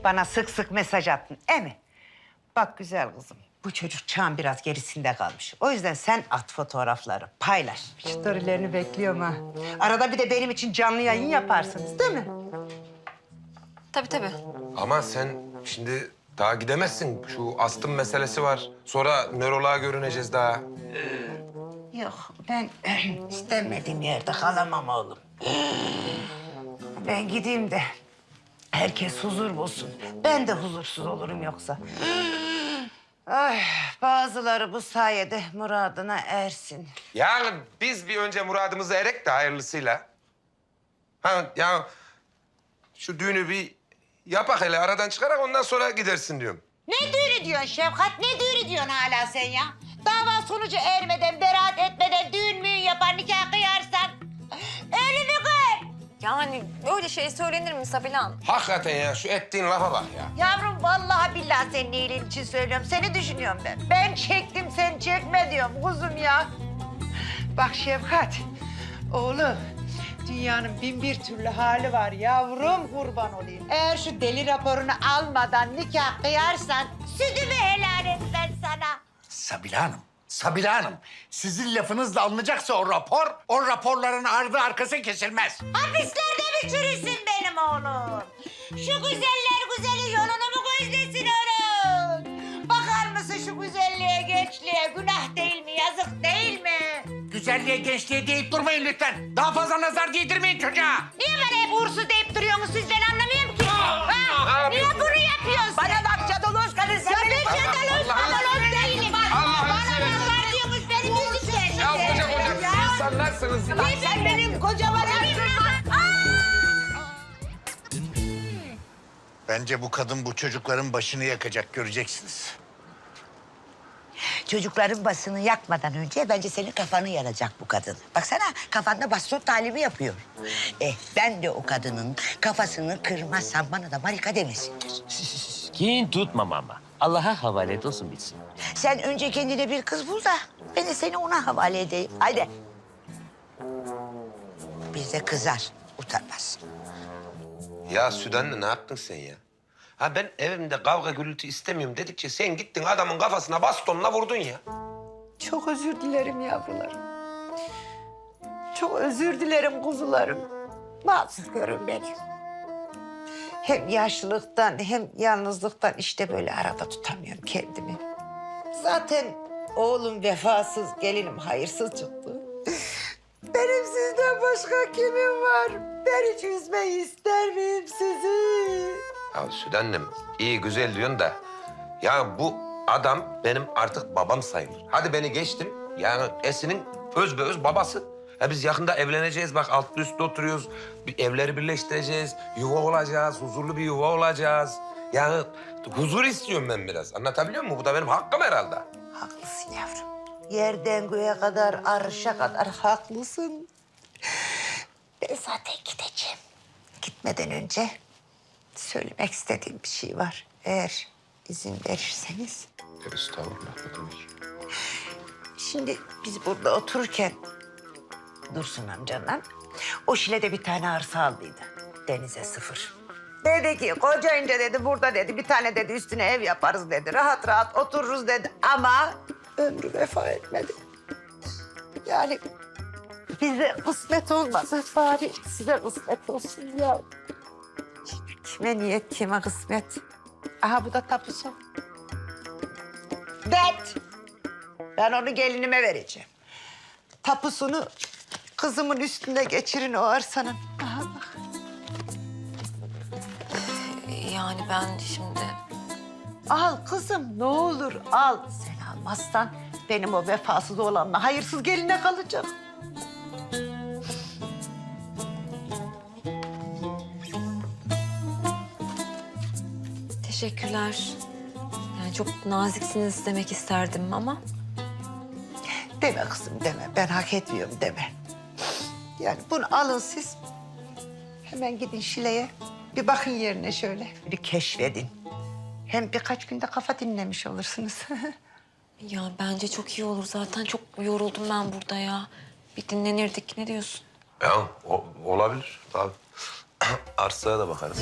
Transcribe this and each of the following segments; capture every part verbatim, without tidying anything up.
bana sık sık mesaj attın, değil mi? Bak güzel kızım, bu çocuk çağın biraz gerisinde kalmış. O yüzden sen at fotoğrafları, paylaş. Storylerini bekliyorum ha. Arada bir de benim için canlı yayın yaparsınız, değil mi? Tabii tabii. Ama sen şimdi daha gidemezsin. Şu astım meselesi var. Sonra nöroloğa görüneceğiz daha. Yok, ben istemediğim yerde kalamam oğlum. Ben gideyim de herkes huzur bulsun. Ben de huzursuz olurum yoksa. Ay, bazıları bu sayede muradına ersin. Yani biz bir önce muradımızı erek de hayırlısıyla. Ha ya şu düğünü bir yapak hele aradan çıkarak ondan sonra gidersin diyorum. Ne düğünü diyorsun Şefkat? Ne düğünü diyorsun hala sen ya? Dava sonucu ermeden, beraat etmeden düğün müğün yapar, nikah kıyarsan... ...ölümü kır. Yani öyle şey söylenir mi Sabilan? Hakikaten ya şu ettiğin lafa bak ya. Yavrum vallahi billahi senin iyiliğin için söylüyorum. Seni düşünüyorum ben. Ben çektim, sen çekme diyorum kuzum ya. Bak Şefkat, oğlum... Dünyanın bin bir türlü hali var yavrum, kurban olayım. Eğer şu deli raporunu almadan nikah kıyarsan... ...sütümü helal et ben sana. Sabila Hanım, Sabila Hanım. Sizin lafınızla alınacaksa o rapor, o raporların ardı arkası kesilmez. Hapislerde mi çürüsün benim oğlum? Şu güzeller güzeli yolunu mu gözlesin onun? Bakar mısın şu güzelliğe, gençliğe? Günah değil mi, yazık değil mi? Güzelliğe, gençliğe deyip durmayın lütfen. Daha fazla nazar değdirmeyin çocuğa. Niye bana hep uğursuz deyip duruyorsunuz siz? Ben anlamıyorum ki. Ha? Niye bunu yapıyorsun? Bana bak cadaloz kadın. Sen ya ben cadaloz cadaloz değilim. Allah'ını Bana seversen. nazar diyormuş benim yüzümden. Ya koca koca insanlarsınız. Bak sen benim kocama Bence bu kadın bu çocukların başını yakacak, göreceksiniz. Çocukların basını yakmadan önce bence senin kafanı yaracak bu kadın. Baksana kafanda baston talimi yapıyor. Eh ben de o kadının kafasını kırmazsam bana da marika demesinler. Kin tutmam ama. Allah'a havale et olsun bitsin. Sen önce kendine bir kız bul da ben de seni ona havale edeyim. Haydi. Bir de kızar, utanmaz. Ya Süden'le ne yaptın sen ya? Ha ben evimde kavga gürültü istemiyorum dedikçe sen gittin adamın kafasına bastonla vurdun ya. Çok özür dilerim yavrularım. Çok özür dilerim kuzularım. Mahsus görün beni. Hem yaşlılıktan hem yalnızlıktan işte böyle arada tutamıyorum kendimi. Zaten oğlum vefasız, gelinim hayırsız çıktı. Benim sizden başka kimim var? Ben hiç üzmeyi ister miyim sizi? Ya Süden'im iyi güzel diyorsun da ya bu adam benim artık babam sayılır. Hadi beni geçtim. Yani Esin'in öz be öz babası. Ya biz yakında evleneceğiz. Bak altlı üstlü oturuyoruz. Bir evleri birleştireceğiz. Yuva olacağız. Huzurlu bir yuva olacağız. Yani huzur istiyorum ben biraz. Anlatabiliyor muyum? Bu da benim hakkım herhalde. Haklısın yavrum. Yerden göğe kadar, arşa kadar haklısın. Ben zaten gideceğim. Gitmeden önce söylemek istediğim bir şey var. Eğer izin verirseniz. Estağfurullah. Ne demek? Şimdi biz burada otururken Dursun amcanla o Şile'de bir tane arsa aldıydı. Denize sıfır. Dedi ki kocayınca dedi burada dedi bir tane dedi üstüne ev yaparız dedi. Rahat rahat otururuz dedi ama ömrü vefa etmedi. Yani bize kısmet olmadı bari size kısmet olsun ya. Kime niyet kime kısmet. Aha bu da tapusu. Det. Ben onu gelinime vereceğim. Tapusunu kızımın üstünde geçirin o arsanın. Aha bak. Yani ben şimdi... Al kızım ne olur al. Sen almazsan benim o vefasız oğlanla hayırsız geline kalacak. Teşekkürler. Yani çok naziksiniz demek isterdim ama... Deme kızım deme. Ben hak etmiyorum deme. Yani bunu alın siz. Hemen gidin Şile'ye. Bir bakın yerine şöyle. Bir keşfedin. Hem birkaç günde kafa dinlemiş olursunuz. Ya bence çok iyi olur. Zaten çok yoruldum ben burada ya. Bir dinlenirdik. Ne diyorsun? Ya o, olabilir tabii. Arsaya da bakarız.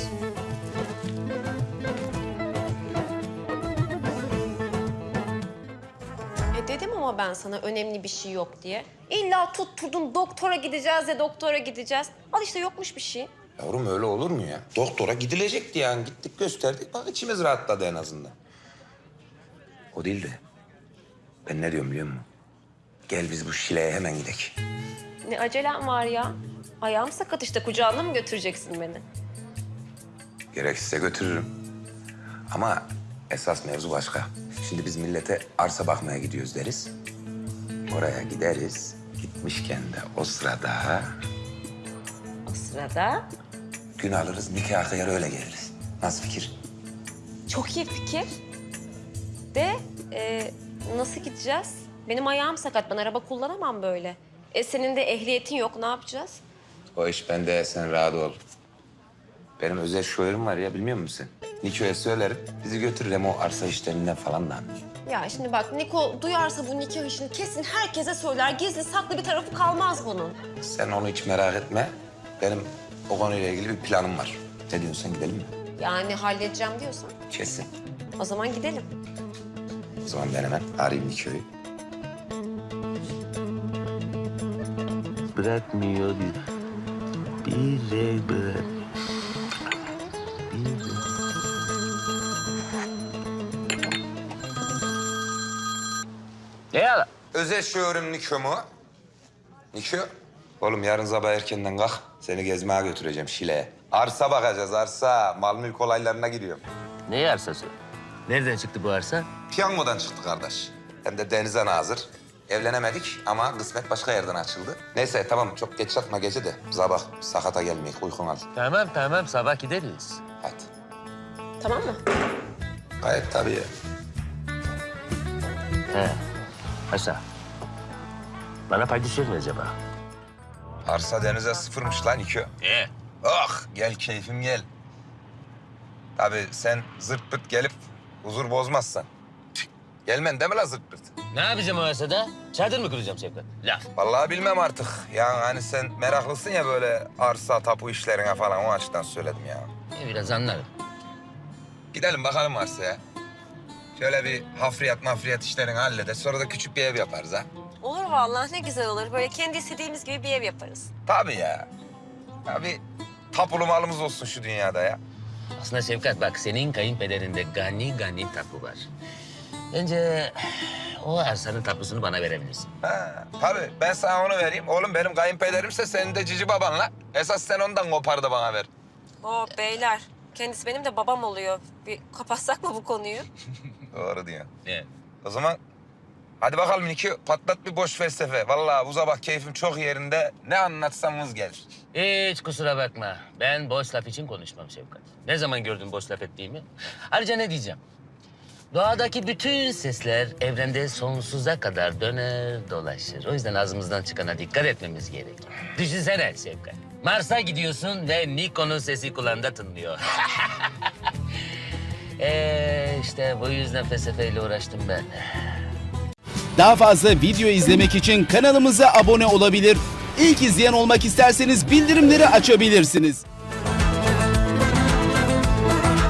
E dedim ama ben sana önemli bir şey yok diye. İlla tutturdun doktora gideceğiz ya doktora gideceğiz. Al işte yokmuş bir şey. Yavrum öyle olur mu ya? Doktora gidilecekti yani. Gittik gösterdik. Bak içimiz rahatladı en azından. O değil de ben ne diyorum biliyor musun? Gel biz bu Şile'ye hemen gidelim. Ne acelem var ya. Ayağım sakat işte kucağına mı götüreceksin beni? Gerekirse götürürüm. Ama esas mevzu başka. Şimdi biz millete arsa bakmaya gidiyoruz deriz. Oraya gideriz. Gitmişken de o sırada O sırada gün alırız, nikah kıyar öyle geliriz. Nasıl fikir? çok iyi fikir. De e, nasıl gideceğiz? Benim ayağım sakat. Ben araba kullanamam böyle. E senin de ehliyetin yok. Ne yapacağız? O iş bende, sen rahat ol. Benim özel şoförüm var ya, bilmiyor musun sen? Niko'ya söylerim, bizi götürür hem o arsa işlerinden falan da anlıyor. Ya şimdi bak Niko duyarsa bu nikah işini kesin herkese söyler. Gizli saklı bir tarafı kalmaz bunun. Sen onu hiç merak etme. Benim o konuyla ilgili bir planım var. Ne diyorsun, sen gidelim mi? Yani halledeceğim diyorsan Kesin. o zaman gidelim. O zaman ben hemen arayayım Niko'yu. Bırakmıyor. Bir de bırak. Ne ya? Özel şoförüm Niko mu? Niko? Oğlum yarın sabah erkenden kalk. Seni gezmeye götüreceğim Şile'ye. Arsa bakacağız, arsa. Mal mülk olaylarına giriyorum. Ne arsası? Nereden çıktı bu arsa? Piyangodan çıktı kardeş. Hem de denize nazır. Evlenemedik ama kısmet başka yerden açıldı. Neyse tamam, çok geç yatma gece de. Sabah sakata gelmeyek, uykun al. Tamam tamam sabah gideriz. Hadi. Tamam mı? Gayet tabii ya. He. Paşa. Bana pay düşer mi acaba? Arsa denize sıfırmış lan Niko. He. Ah gel keyfim gel. Tabii sen zırt pırt gelip huzur bozmazsan. Gelmen değil mi lan zırt pırt? Ne yapacağım o arsada? Çadır mı kuracağım Şevkat? Laf. Vallahi bilmem artık. Yani hani sen meraklısın ya böyle arsa, tapu işlerine falan, o açıdan söyledim ya. E, biraz anlarım. Gidelim bakalım arsaya. Şöyle bir hafriyat mafriyat işlerini hallederiz. Sonra da küçük bir ev yaparız ha. Olur vallahi ne güzel olur. Böyle kendi istediğimiz gibi bir ev yaparız. Tabii ya. Ya bir tapulu malımız olsun şu dünyada ya. Aslında Şevkat bak senin kayınpederinde gani gani tapu var. Bence o arsanın tapusunu bana verebilirsin. Ha, tabii ben sana onu vereyim. Oğlum benim kayınpederimse senin de cici babanla. Esas sen ondan kopar da bana ver. Oo beyler. Kendisi benim de babam oluyor. Bir kapatsak mı bu konuyu? Doğru diyorsun. Evet. O zaman hadi bakalım Niko, patlat bir boş felsefe. Vallahi bu sabah keyfim çok yerinde. Ne anlatsam vız gelir. Hiç kusura bakma. Ben boş laf için konuşmam Şevkat. Ne zaman gördün boş laf ettiğimi? Ayrıca ne diyeceğim? Doğadaki bütün sesler evrende sonsuza kadar döner dolaşır. O yüzden ağzımızdan çıkana dikkat etmemiz gerekir. Düşünsene Şevkat. Mars'a gidiyorsun ve Niko'nun sesi kulağında tınlıyor. ee, işte bu yüzden felsefeyle uğraştım ben. Daha fazla video izlemek için kanalımıza abone olabilir. İlk izleyen olmak isterseniz bildirimleri açabilirsiniz.